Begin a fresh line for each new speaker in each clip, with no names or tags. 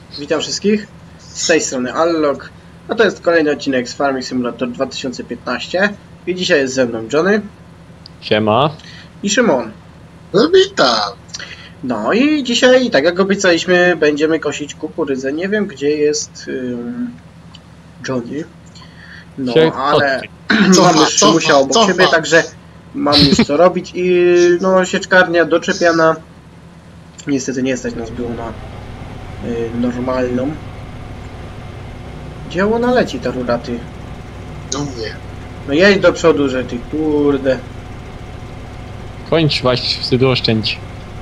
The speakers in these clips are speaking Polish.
Witam wszystkich, z tej strony Allog, a to jest kolejny odcinek z Farming Simulator 2015 i dzisiaj jest ze mną Johnny.
Siema.
I Szymon.
No witam.
No i dzisiaj, tak jak obiecaliśmy, będziemy kosić kukurydzę. Nie wiem, gdzie jest Johnny, no ale mam już Szymusia obok siebie, także mam już co robić i no sieczkarnia doczepiana. Niestety nie stać nas było na normalną. Gdzie ona leci, ta rura, ty?
Do mnie.
No jedź do przodu, że ty, kurde.
Kończ właśnie, wstydu oszczędź.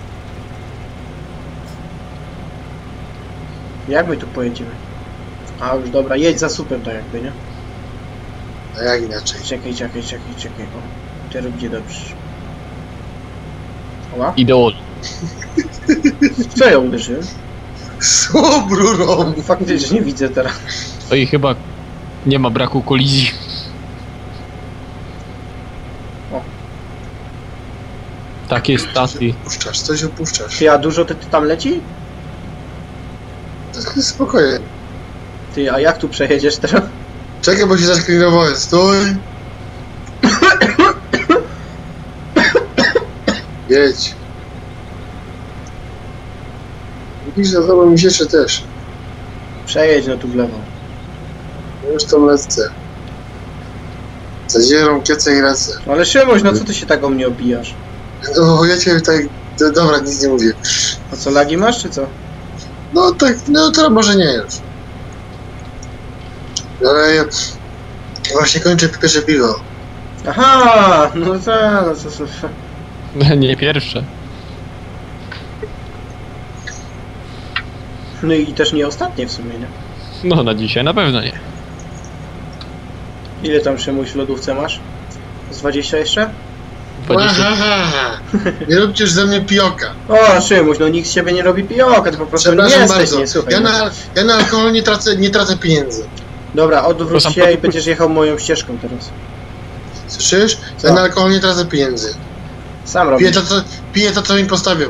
Jak my tu pojedziemy? A już dobra, jedź za słupem tak jakby, nie?
A jak inaczej?
Czekaj. O, teraz będzie dobrze. Oła?
Ideol.
Co ja uderzyłem?
Słom rurą.
Faktycznie nie widzę teraz.
To i chyba nie ma braku kolizji.
O.
Takie staty.
Coś opuszczasz.
Ty, a dużo ty tam leci?
Spokojnie.
Ty, a jak tu przejedziesz teraz?
Czekaj, bo się zaskrinowałem. Stój. Jedź. Widzisz, za tobą mi się też.
Przejedź no tu w lewo.
Już tam lecę. Zadzierą kiece i lecę.
No ale Szymuś, no co ty się tak o mnie obijasz?
O, ja cię tak... Dobra, nic nie mówię.
A co, lagi masz czy co?
No tak, no to może nie już. Ale ja właśnie kończę pierwsze piwo.
Aha, no tak, no co.
Nie pierwsze.
No i też nie ostatnie w sumie, nie?
No na dzisiaj na pewno nie.
Ile tam Szymuś w lodówce masz? Z 20 jeszcze?
20.
Nie róbcie już ze mnie pijoka.
O, Szymuś, no nikt z ciebie nie robi pijoka, ty po prostu nie
Przepraszam
jesteś,
bardzo.
nie, słuchaj.
Ja na alkohol nie tracę pieniędzy.
Dobra, odwróć
To
się
sam-
i będziesz jechał moją ścieżką teraz.
Słyszysz?
Co?
Ja na alkohol nie tracę pieniędzy.
Sam robisz.
Piję to, co mi postawią.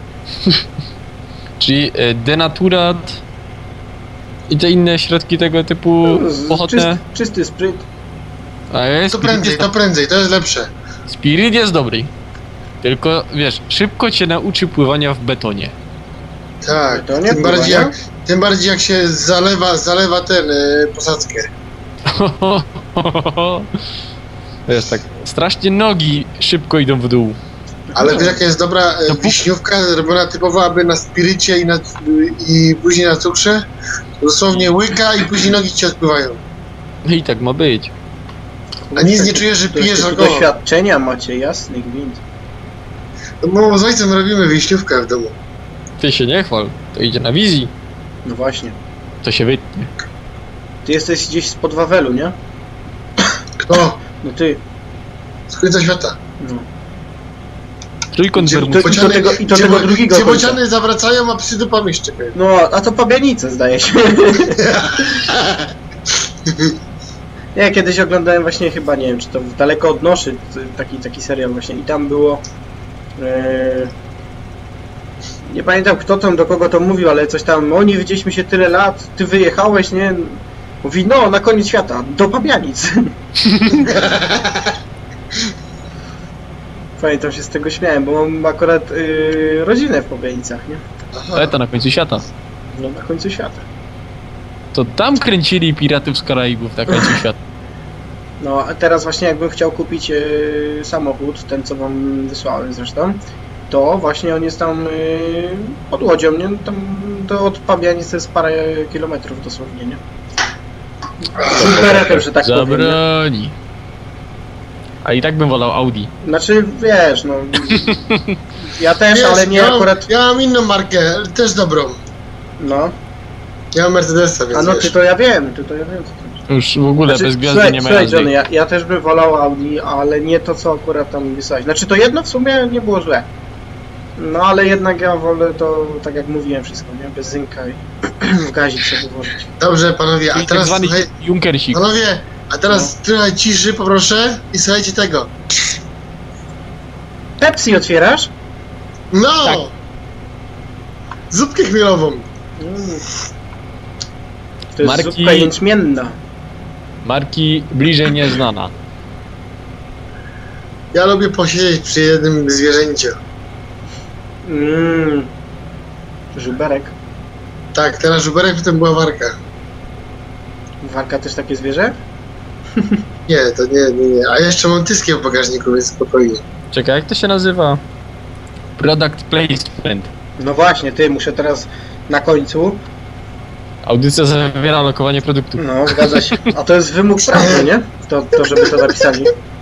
Czyli denaturat i te inne środki tego typu pochodne.
Czysty spryt.
A jest
To prędzej, to jest lepsze.
Spirit jest dobry. Tylko wiesz, szybko cię nauczy pływania w betonie.
Tak,
To nie
tym bardziej jak się zalewa posadzkę.
Wiesz, tak strasznie nogi szybko idą w dół.
Ale wiesz jaka jest dobra wiśniówka, robiona typowo aby na spirycie i później na cukrze? Dosłownie łyka i później nogi ci odpływają.
No i tak ma być.
A nic nie czujesz, że pijesz alkohol.
Doświadczenia macie, jasny gwint.
No z ojcem robimy wiśniówkę w domu.
Ty się nie chwal, to idzie na wizji,
No właśnie.
to się wytnie.
Ty jesteś gdzieś spod Wawelu, nie?
Kto?
No ty.
Z końca świata.
No.
Trójkąt
Gdzie-
Bermuda.
I do tego drugiego
Gdzie
końca.
bociany zawracają, a psy dupami szczekają.
No, a to Pabianice zdaje się. Ja kiedyś oglądałem właśnie chyba, nie wiem, czy to Daleko od Noszy, taki serial właśnie i tam było... nie pamiętam kto tam, do kogo to mówił, ale coś tam, o nie widzieliśmy się tyle lat, ty wyjechałeś, nie? Mówi, no, na koniec świata, do Pabianic. Pamiętam, się z tego śmiałem, bo mam akurat rodzinę w Pabianicach, nie?
Ale to na końcu świata.
No, na końcu świata.
To tam kręcili Piratów z Karaibów na końcu świata.
No, a teraz właśnie jakbym chciał kupić samochód, ten co wam wysłałem zresztą, to właśnie on jest tam pod Łodzią, nie? Tam od Pabianic to jest parę kilometrów dosłownie, nie? Superetem, że tak powiem. Nie?
Zabroni. A i tak bym wolał Audi.
Znaczy, wiesz, no... Ja też,
Wiesz,
ale nie akurat...
Ja mam inną markę, ale też dobrą.
No.
Ja mam Mercedesa, więc
A no
wiesz.
ty to ja wiem, co to jest.
Już w ogóle
Znaczy,
bez gwiazdy nie ma
słuchaj,
jazdy.
Johnny, ja też bym wolał Audi, ale nie to, co akurat tam wysłałeś. Znaczy, to jedno w sumie nie było złe. No, ale jednak ja wolę to, tak jak mówiłem, wszystko, nie? Bez zynka i w gazik sobie włożyć.
Dobrze, panowie, a
Czyli tak
teraz...
zwany
Słuchaj,
Junkersik.
panowie, a teraz trochę ciszy poproszę i słuchajcie tego.
Pepsi otwierasz?
No!
Tak.
Zupkę chmielową.
To jest zupka jęczmienna.
Marki bliżej nieznana.
Ja lubię posiedzieć przy jednym zwierzęciu.
Żuberek.
Tak, teraz żuberek, potem była warka.
Warka też takie zwierzę?
Nie, to nie. A jeszcze mam tyskie w bagażniku, więc spokojnie.
Czekaj, jak to się nazywa? Product placement.
No właśnie, ty, muszę teraz na końcu.
Audycja zawiera lokowanie produktu.
No, zgadza się. A to jest wymóg prawny, nie? To żeby to zapisali.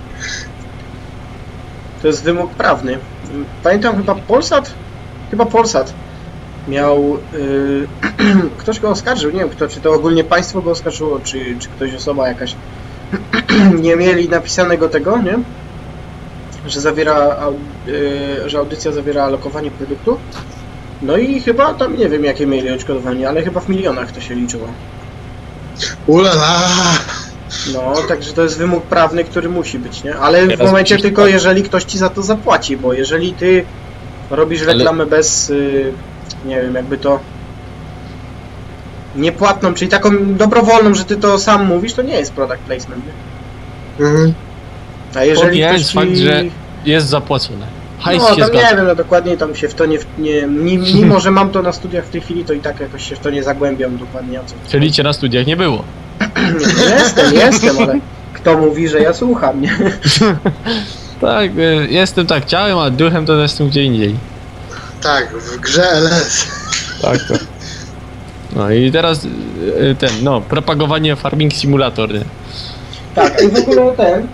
To jest wymóg prawny. Pamiętam chyba Polsat? Chyba Polsat miał... ktoś go oskarżył, nie wiem kto, czy to ogólnie państwo go oskarżyło, czy ktoś, osoba jakaś. Nie mieli napisanego tego, nie? Że zawiera... że audycja zawiera lokowanie produktu. No i chyba tam, nie wiem jakie mieli odszkodowanie, ale chyba w milionach to się liczyło.
Ulala!
No, także to jest wymóg prawny, który musi być, nie? Ale w momencie tylko, jeżeli ktoś ci za to zapłaci, bo jeżeli ty robisz reklamę bez, nie wiem, jakby to niepłatną, czyli taką dobrowolną, że ty to sam mówisz, to nie jest product placement, nie? A jeżeli ktoś ci...
fakt, że jest zapłacone.
Hajs no, tam nie wiem, no dokładnie tam się w to mimo że mam to na studiach w tej chwili, to i tak jakoś się w to nie zagłębiam dokładnie o co.
Czyli cię na studiach nie było?
Jestem, ale kto mówi, że ja słucham, nie?
Tak, jestem tak ciałem, a duchem to jestem gdzie indziej.
Tak, w grze LS.
Tak, to. No i teraz propagowanie Farming Simulator, nie?
Tak, i w ogóle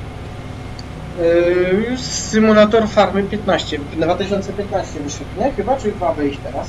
już symulator Farmy 15, 2015 wyszedł, nie? Chyba, czy ma wyjść teraz?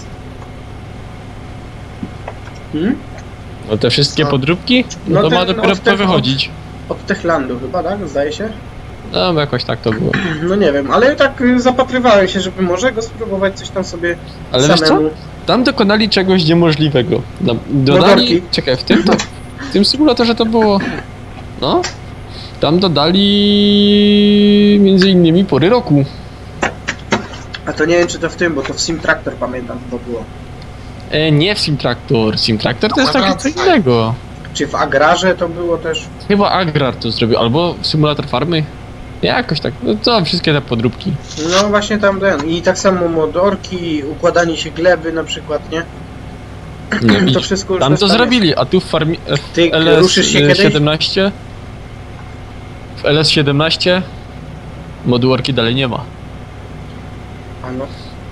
No te wszystkie podróbki? No to ma dopiero wychodzić.
Od Techlandu chyba, tak? Zdaje się?
No, jakoś tak to było.
No nie wiem, ale tak zapatrywałem się, żeby może go spróbować coś tam sobie
ale samemu. Wiesz co? Tam dokonali czegoś niemożliwego. Dodali... Czekaj, w tym symulatorze to było... No... Tam dodali między innymi pory roku.
A to nie wiem czy to w tym, bo to w Sim Tractor pamiętam to było.
Nie w Sim Tractor. Sim Tractor to jest takie co innego.
Czy w Agrarze to było też?
Chyba Agrar to zrobił, albo Simulator Farmy. Jakoś tak, no to wszystkie te podróbki.
No właśnie tam i tak samo modorki, układanie się gleby na przykład, nie?
No to wszystko już tam to zrobili, a tu w farmie...
Ty ruszysz się kiedyś?
17 w LS17 modułorki dalej nie ma.
A no.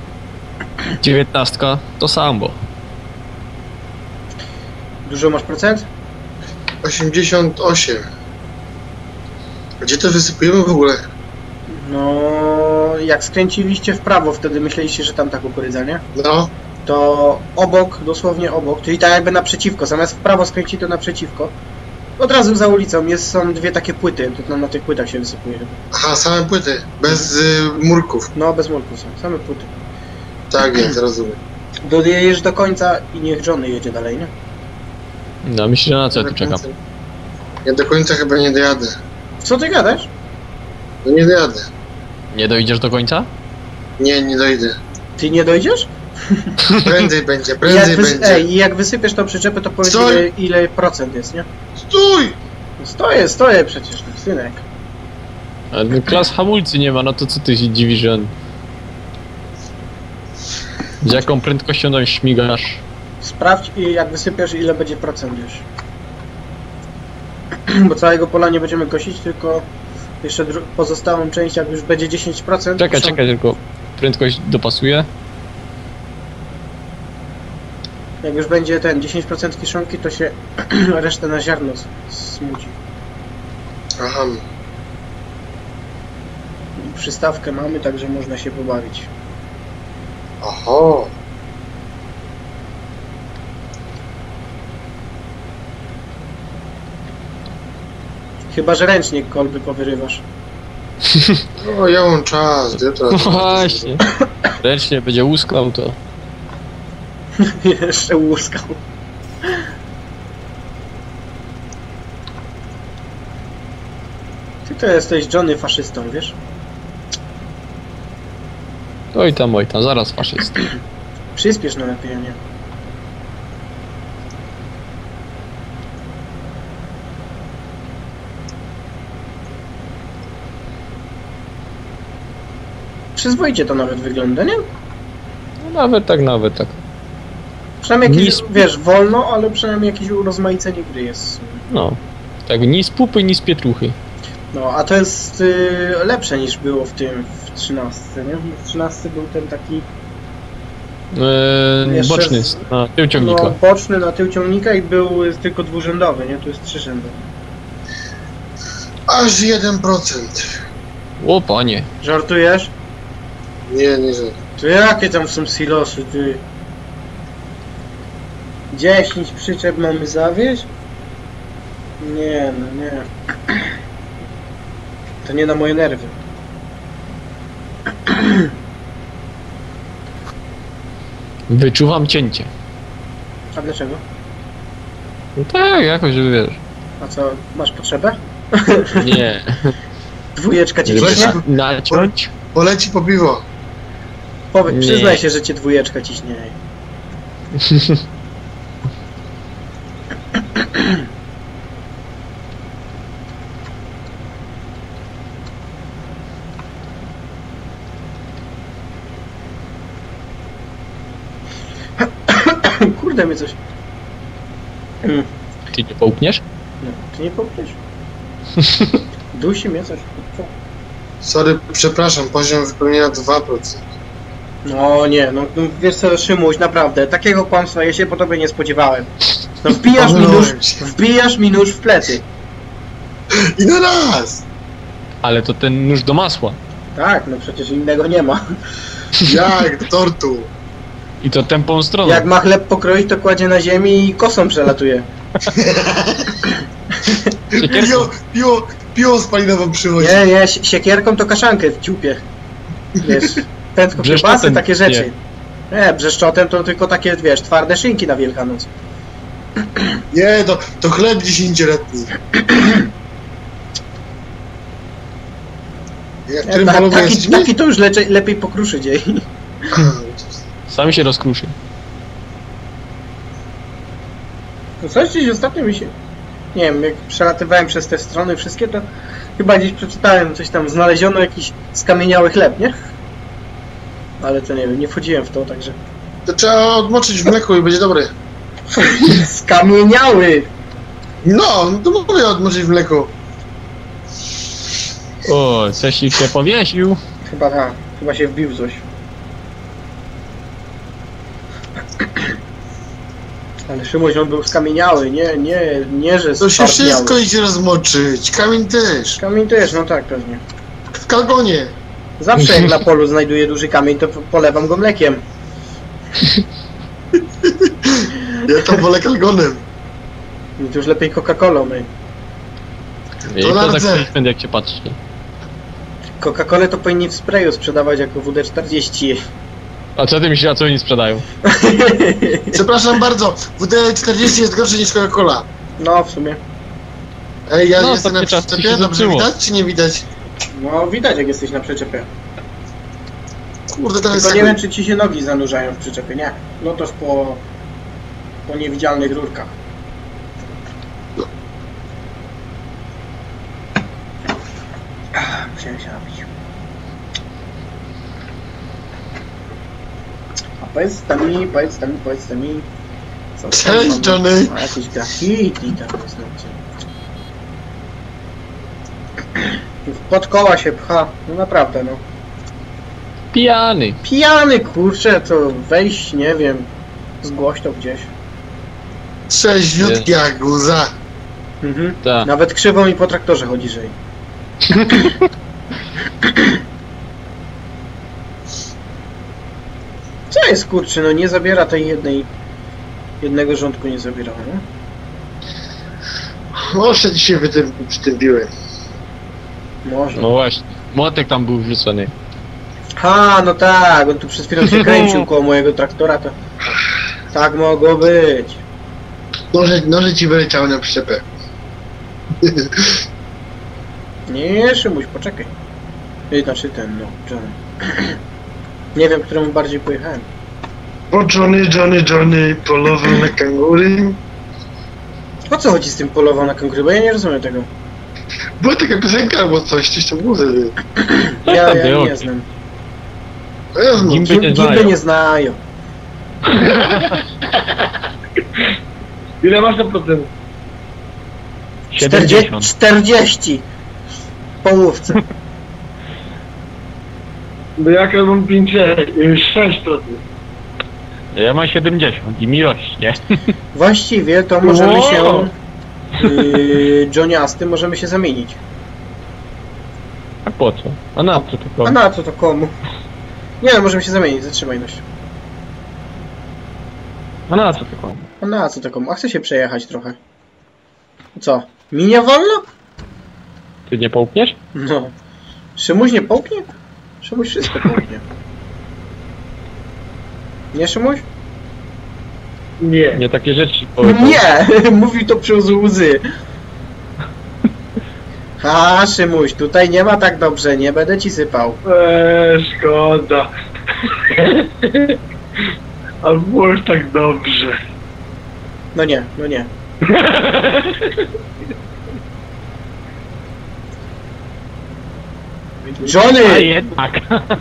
19 to sambo.
Dużo masz procent?
88. Gdzie to wysypujemy w ogóle?
No, jak skręciliście w prawo, wtedy myśleliście, że tam ta kukurydza, nie?
No.
To obok, dosłownie obok, czyli tak jakby naprzeciwko, zamiast w prawo skręcić to naprzeciwko. Od razu za ulicą są dwie takie płyty, to na tych płytach się wysypuje.
Aha, same płyty, bez murków.
No, bez murków są, same płyty.
Tak jest, rozumiem.
Dojedziesz do końca i niech Johnny jedzie dalej, nie?
No, myślę, że na co ja tu czekam.
Ja do końca chyba nie dojadę.
Co ty gadasz?
No nie dojadę.
Nie dojdziesz do końca?
Nie dojdę.
Ty nie dojdziesz?
Prędzej będzie, prędzej będzie.
Ej, jak wysypiesz tą przyczepę, to powiedz ile procent jest, nie?
Stój!
Stoję przecież, synek.
Ale klas hamulcy nie ma, no to co ty się dziwisz, że on... Z jaką prędkością tam śmigasz?
Sprawdź jak wysypiesz ile będzie procent już. Bo całego pola nie będziemy kosić, tylko jeszcze pozostałą część jak już będzie 10%.
Czekaj, tylko prędkość dopasuję.
Jak już będzie 10% kiszonki, to się resztę na ziarno smuci.
Aha.
Przystawkę mamy, także można się pobawić.
Oho.
Chyba, że ręcznie kolby powyrywasz.
No, ja mam czas, gdzie to?
No właśnie. Ręcznie będzie łuskał to.
Jeszcze łuskał. Ty to jesteś Johnny faszystą, wiesz?
Oj tam, zaraz faszysta.
Przyspiesz no lepiej, nie? przyzwoicie to nawet wygląda, nie?
No nawet tak.
Przynajmniej jakieś, wiesz, wolno, ale przynajmniej jakieś urozmaicenie gry jest.
No. Tak, ni z pupy, ni z pietruchy.
No, a to jest lepsze niż było w 13, nie? W 13 był ten taki...
boczny, na tył ciągnika.
No, boczny na tył ciągnika i był tylko dwurzędowy, nie? Tu jest trzyrzędowy.
Aż 1%.
O panie.
Żartujesz?
Nie żartuję.
To jakie tam są silosy, ty? 10 przyczep mamy zawieźć? Nie, no nie. To nie na moje nerwy.
Wyczuwam cięcie.
A dlaczego?
No tak, jakoś wiesz.
A co, masz potrzebę?
Nie.
Dwójeczka cię ciśnie?
Naciąć?
Poleci po piwo.
Przyznaj się, że cię dwójeczka ciśnie. Kurde, mnie coś...
Ty nie połkniesz?
No, ty nie połkniesz. Dusi mnie coś. Co?
Sorry, przepraszam, poziom wypełnienia 2%.
No nie, no wiesz co, Szymuś, naprawdę, takiego kłamstwa ja się po tobie nie spodziewałem. No wbijasz mi nóż w plecy.
I na raz!
Ale to ten nóż do masła.
Tak, no przecież innego nie ma.
Jak do tortu.
I to tępą stroną.
Jak ma chleb pokroić, to kładzie na ziemi i kosą przelatuje.
Piło spalinową przychodzi.
Nie, siekierką to kaszankę w dziupie. Wiesz, prędko kiełbasy, takie rzeczy. Nie, brzeszczotem to tylko takie, wiesz, twarde szynki na Wielkanoc.
Nie, to chleb 10-letni.
Taki to już lepiej pokruszy dzień.
Sami się rozkruszy.
No coś gdzieś ostatnio mi się... Nie wiem, jak przelatywałem przez te strony wszystkie, to chyba gdzieś przeczytałem coś tam, znaleziono jakiś skamieniały chleb, nie? Ale to nie wiem, nie wchodziłem w to, także...
To trzeba odmoczyć w mleku i będzie dobry.
Skamieniały!
No to mówię odmoczyć w mleku.
O, coś ich się powiesił.
Chyba tak, chyba się wbił coś. Ale Szymuś, on był skamieniały, nie, że
to się wszystko idzie rozmoczyć, kamień też.
Kamień też, no tak, pewnie.
W kalgonie.
Zawsze jak na polu znajduję duży kamień, to polewam go mlekiem.
Ja to wolę kalgonem.
No to już lepiej Coca-Colą, my.
To tak jak się patrzy.
Coca-Colę to powinni w sprayu sprzedawać jako WD-40.
A co ty myślisz, a co oni sprzedają?
Przepraszam bardzo, WD-40 jest gorszy niż Coca-Cola.
No, w sumie.
Ej, ja jestem na przyczepie, dobrze widać czy nie widać?
No, widać jak jesteś na przyczepie.
Kurde, teraz
tylko nie wiem, czy ci się nogi zanurzają w przyczepie, nie? No toż po niewidzialnych rurkach.
No.
Musiałem się napić. A powiedz mi...
Cześć, Johnny!
A jakieś graffiti tam jest, pod koła się pcha, no naprawdę, no.
Pijany!
Pijany, kurczę, to wejść, nie wiem, zgłoś to gdzieś.
Trzeźwiutki jak guza.
Mhm. Nawet krzywo mi po traktorze chodzi, że... Co jest, kurczę, no nie zabiera tej jednego rządku nie zabierało, no?
Może dzisiaj przytępiłem.
Może.
No właśnie, młotek tam był wrzucony.
Ha, no tak, on tu przez chwilę się kręcił koło mojego traktora, to... Tak mogło być.
Noże ci wyleciały na przyczepę.
Nie, Szymuś, poczekaj. Znaczy ten, no, Johnny. Nie wiem, któremu bardziej pojechałem.
O Johnny polował na kangury.
O co chodzi z tym polował na kangury? Bo ja nie rozumiem tego.
Była taka piosenka albo coś tam było.
Ja nie znam. Gimby nie znają.
Ile masz na procent?
40 w połówce.
No jak ja mam 6%.
Ja mam 70 i miłość, nie?
Właściwie to możemy się... Johnny możemy się zamienić.
A po co? A na co to komu?
A na co to komu? Nie no, możemy się zamienić, zatrzymaj dość.
A na co to komu?
A na co to komu? A chcę się przejechać trochę. Co? Mi nie wolno?
Ty nie połkniesz?
No. Szymuś nie połknie? Szymuś wszystko połknie. Nie, Szymuś?
Nie.
Nie takie rzeczy powiedział.
Nie! Mówił to przez łzy. Ha, Szymuś, tutaj nie ma tak dobrze, nie będę ci sypał.
Szkoda. A było już tak dobrze.
No nie, no nie. Johnny!
A jednak.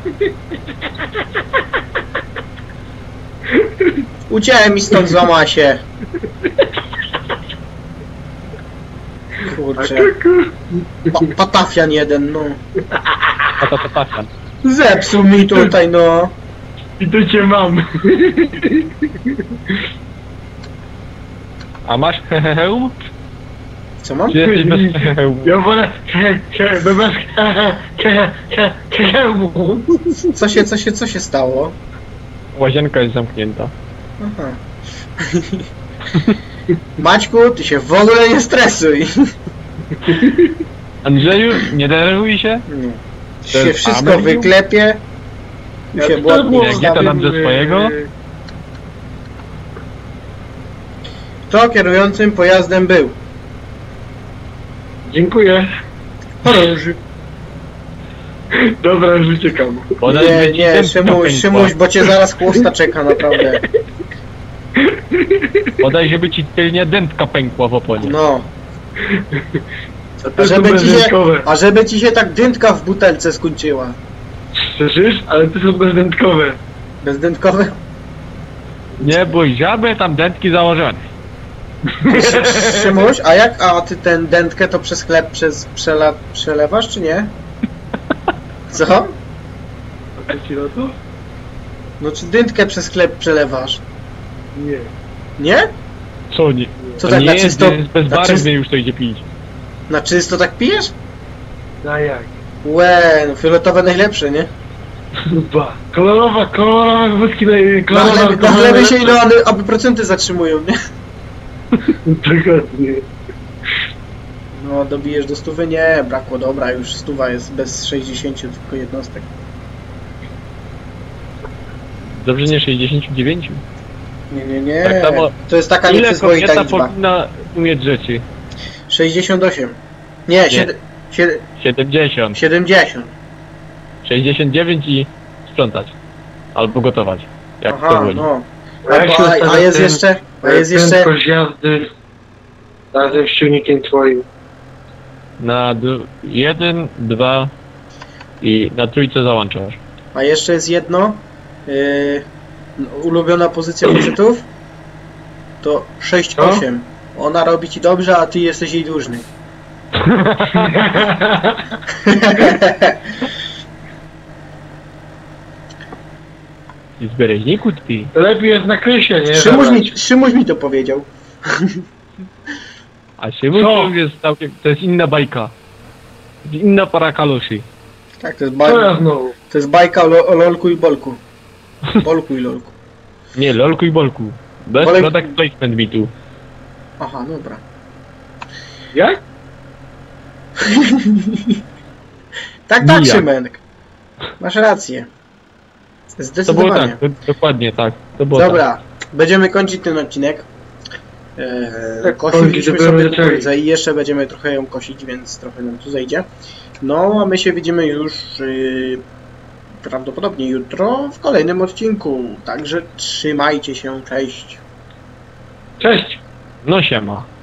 Uciekaj mi stąd, złama się. Kurczę. Patafian jeden, no.
Patafian.
Zepsuł mi tutaj, no.
I to cię mam.
A masz heheheum?
Co mam?
Czy jesteś bez heheum?
Ja wolę bez
Co się stało?
Łazienka jest zamknięta.
Aha. Maćku, ty się w ogóle nie stresuj.
Andrzeju, nie denerwuj się?
Nie. Się wszystko wyklepie.
Ja
się
gdzie to nam ze swojego?
Kto kierującym pojazdem był?
Dziękuję.
Chorąży.
Dobra, już uciekam.
Nie, Szymuś, bo cię zaraz chłosta czeka, naprawdę.
Podaj, żeby ci tylnie dętka pękła w oponie.
No. A żeby ci się tak dętka w butelce skończyła.
Słyszysz? Ale to są bezdętkowe.
Bezdętkowe?
Nie bój, żaby tam dętki założone.
Szymuś, a ty ten dętkę to przez chleb przelewasz, czy nie? Co?
A ci na to?
No czy dętkę przez chleb przelewasz?
Nie.
Nie?
Co nie?
Co
to
tak
nie
na
jest,
czysto?
jest bezbarwnie już to idzie pić.
Na czysto tak pijesz?
A jak?
Łe, no fioletowe najlepsze, nie?
Ba. Kolorowe wódki
Na chlebie się ile one, aby procenty zatrzymują, nie?
Dokładnie.
No, dobijesz do 100? Nie, brakło, dobra, już 100 jest bez 60 tylko jednostek.
Dobrze, nie 69?
Nie.
Tak samo,
to jest taka
ile
nieprzyzwoita
kobieta
liczba.
powinna umieć rzeczy?
68. Nie,
70.
70.
69 i sprzątać. Albo gotować. Jak
Aha,
to woli.
no.
A
jest jeszcze...
Prędkość jazdy razem z silnikiem twoim.
Na 1, 2 i na trójce załączasz.
A jeszcze jest jedno. Ulubiona pozycja facetów to 6-8. Ona robi ci dobrze, a ty jesteś jej dłużny.
I z bereźniku ty.
Lepiej jest na krysie, nie?
Szymuś mi to powiedział.
A Szymon to jest całkiem... To jest inna bajka. Inna para kaloszy.
Tak, to jest bajka o lolku i bolku. Bolku i lolku.
Nie, lolku i bolku. Bez product placement mi tu.
Aha, dobra.
Jak?
Tak, Szymenek. Masz rację. Zdecydowanie.
To było tak, dokładnie tak. To było
dobra,
tak.
Będziemy kończyć ten odcinek. Kosiliśmy sobie kukurydzę i jeszcze będziemy trochę ją kosić, więc trochę nam tu zejdzie. No, a my się widzimy już prawdopodobnie jutro w kolejnym odcinku. Także trzymajcie się, cześć.
Cześć.
No siema.